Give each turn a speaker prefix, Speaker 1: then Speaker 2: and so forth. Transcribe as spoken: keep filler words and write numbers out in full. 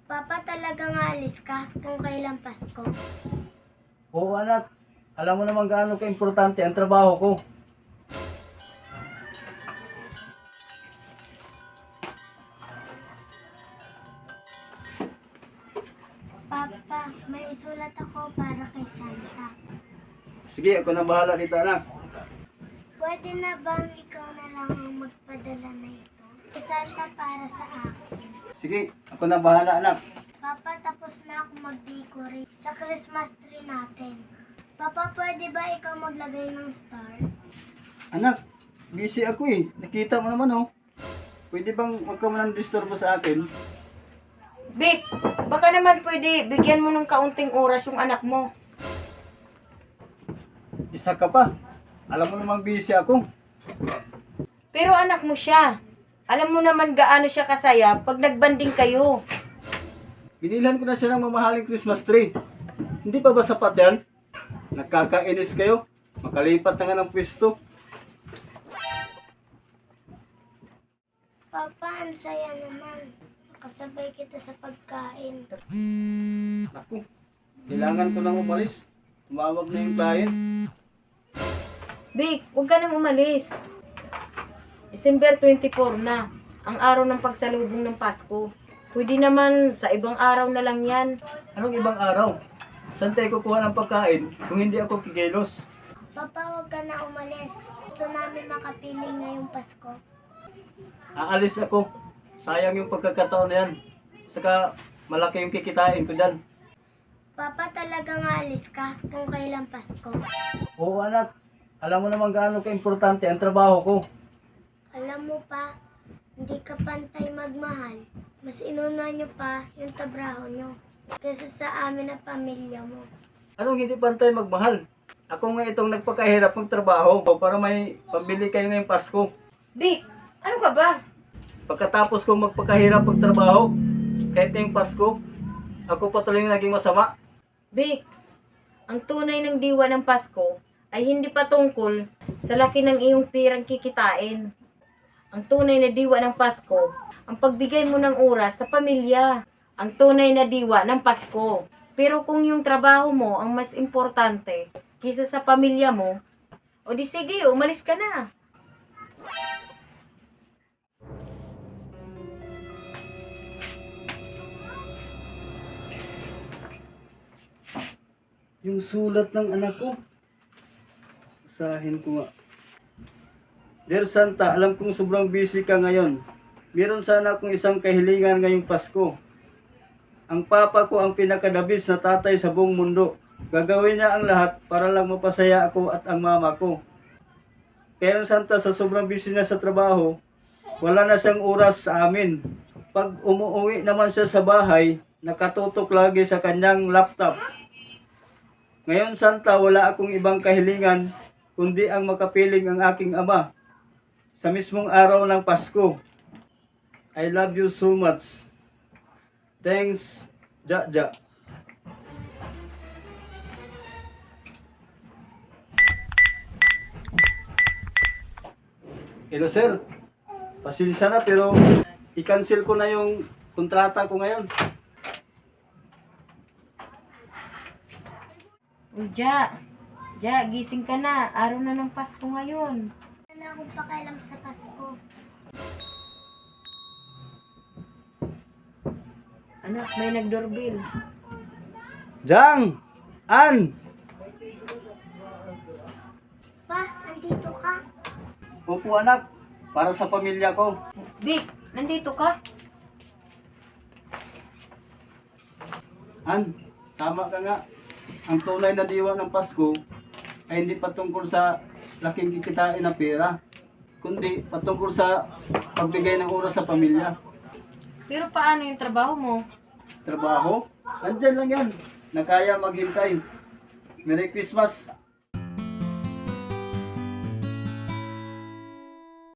Speaker 1: Papa, talagang aalis ka kung kailan Pasko?
Speaker 2: Oo anak, alam mo naman gaano ka-importante ang trabaho ko.
Speaker 1: Papa, may isulat ako para kay Santa.
Speaker 2: Sige, ako na bahala dito anak.
Speaker 1: Pwede na bang ikaw na lang ang magpadala na ito? Kay Santa para sa akin.
Speaker 2: Sige, ako na bahala anak.
Speaker 1: Papa, tapos na ako mag-decorate sa Christmas tree natin. Papa, pwede ba ikaw maglagay ng star?
Speaker 2: Anak, busy ako eh. Nakita mo naman oh. Pwede bang huwag ka man disturbo sa akin?
Speaker 3: Vic, baka naman pwede bigyan mo ng kaunting oras yung anak mo.
Speaker 2: Isa ka pa. Alam mo namang busy ako.
Speaker 3: Pero anak mo siya. Alam mo naman gaano siya kasaya pag nagbanding kayo.
Speaker 2: Binilhan ko na siya ng mamahaling Christmas tree. Hindi pa ba sapat yan? Nagkakainis kayo. Makalipat na nga ng pwesto.
Speaker 1: Papa, ang saya naman. Nakasabay kita sa pagkain.
Speaker 2: Naku, kailangan ko nang umalis. Tumawag na yung client.
Speaker 3: Vic, huwag ka nang umalis. December twenty-four na, ang araw ng pagsalubong ng Pasko. Pwede naman sa ibang araw na lang yan.
Speaker 2: Anong ibang araw? Saan tayo kukuha ng pagkain kung hindi ako kikilos?
Speaker 1: Papa, huwag ka na umalis. Gusto namin makapiling ngayong Pasko.
Speaker 2: Aalis ako. Sayang yung pagkakataon na yan. Saka malaki yung kikitain ko dyan.
Speaker 1: Papa, talagang aalis ka kung kailan Pasko?
Speaker 2: Oo anak, alam mo naman gaano ka-importante ang trabaho ko.
Speaker 1: Alam mo pa, hindi ka pantay magmahal. Mas inuna niyo pa yung trabaho niyo kaysa sa amin na pamilya mo.
Speaker 2: Anong hindi pantay magmahal? Ako nga itong nagpakahirap ng trabaho para may pambili kayo ngayong Pasko.
Speaker 3: Vic, ano ka ba?
Speaker 2: Pagkatapos kong magpakahirap ng trabaho, kahit ngayong Pasko, ako patuloy na naging masama.
Speaker 3: Vic, ang tunay ng diwa ng Pasko ay hindi pa tungkol sa laki ng iyong pirang kikitain. Ang tunay na diwa ng Pasko, ang pagbigay mo ng oras sa pamilya. Ang tunay na diwa ng Pasko. Pero kung yung trabaho mo ang mas importante kaysa sa pamilya mo, o di sige, umalis ka na.
Speaker 2: Yung sulat ng anak ko. Basahin ko nga. Dear Santa, alam kong sobrang busy ka ngayon. Meron sana akong isang kahilingan ngayong Pasko. Ang papa ko ang pinakadabis na tatay sa buong mundo. Gagawin niya ang lahat para lang mapasaya ako at ang mama ko. Kaya Santa, sa sobrang busy na sa trabaho, wala na siyang oras sa amin. Pag umuwi naman siya sa bahay, nakatutok lagi sa kanyang laptop. Ngayon Santa, wala akong ibang kahilingan kundi ang makapiling ang aking ama sa mismong araw ng Pasko. I love you so much. Thanks, Jaja. Hello sir, pasensya na pero i-cancel ko na yung kontrata ko ngayon.
Speaker 3: O, Ja, Ja, gising ka na. Araw na ng Pasko ngayon.
Speaker 1: Wala na akong pakialam sa Pasko.
Speaker 3: Anak, may nag-doorbell.
Speaker 2: Jang! An!
Speaker 1: Pa, andito ka?
Speaker 2: Opo anak, para sa pamilya ko.
Speaker 3: Vic, nandito ka?
Speaker 2: An, tama ka nga. Ang tunay na diwa ng Pasko ay hindi patungkol sa laking kikitain na pera, kundi patungkol sa pagbigay ng oras sa pamilya.
Speaker 3: Pero paano yung trabaho mo?
Speaker 2: Trabaho, nandyan lang yan. Na kaya maghintay. Merry Christmas.